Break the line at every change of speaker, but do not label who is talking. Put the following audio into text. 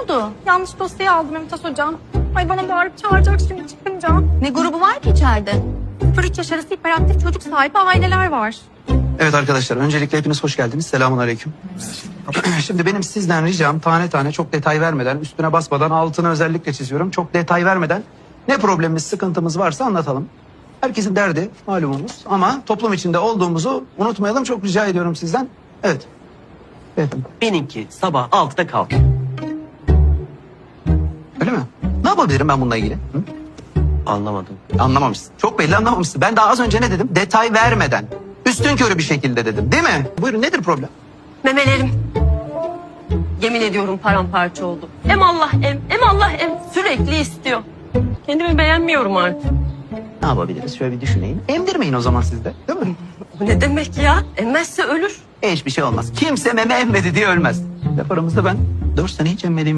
oldu?
Yanlış dosyayı aldım Mümtaz Hocam. Ay bana bağırıp çağıracak şimdi çıkınca.
Ne grubu var ki içeride?
0-3 yaş arası hiperaktif çocuk sahibi aileler var.
Evet arkadaşlar, öncelikle hepiniz hoş geldiniz. Selamun aleyküm. Şimdi benim sizden ricam tane tane çok detay vermeden, üstüne basmadan, altını özellikle çiziyorum. Çok detay vermeden ne problemimiz, sıkıntımız varsa anlatalım. Herkesin derdi malumumuz ama toplum içinde olduğumuzu unutmayalım. Çok rica ediyorum sizden. Evet. Beyefendi.
Benimki sabah 6'da kalk.
Öyle mi? Ne yapabilirim ben bununla ilgili? Hı?
Anlamadım.
Anlamamışsın. Çok belli anlamamışsın. Ben daha az önce ne dedim? Detay vermeden. Üstünkörü bir şekilde dedim. Değil mi? Buyurun, nedir problem?
Memelerim. Yemin ediyorum paramparça oldu. Em Allah em Allah em. Sürekli istiyor. Kendimi beğenmiyorum artık.
Ne yapabiliriz? Şöyle bir düşüneyim. Emdirmeyin o zaman siz de. Değil mi?
Bu ne demek ya? Emmezse ölür.
Hiçbir şey olmaz. Kimse meme emmedi diye ölmez. Laf aramızda ben 4 sene hiç emmediğim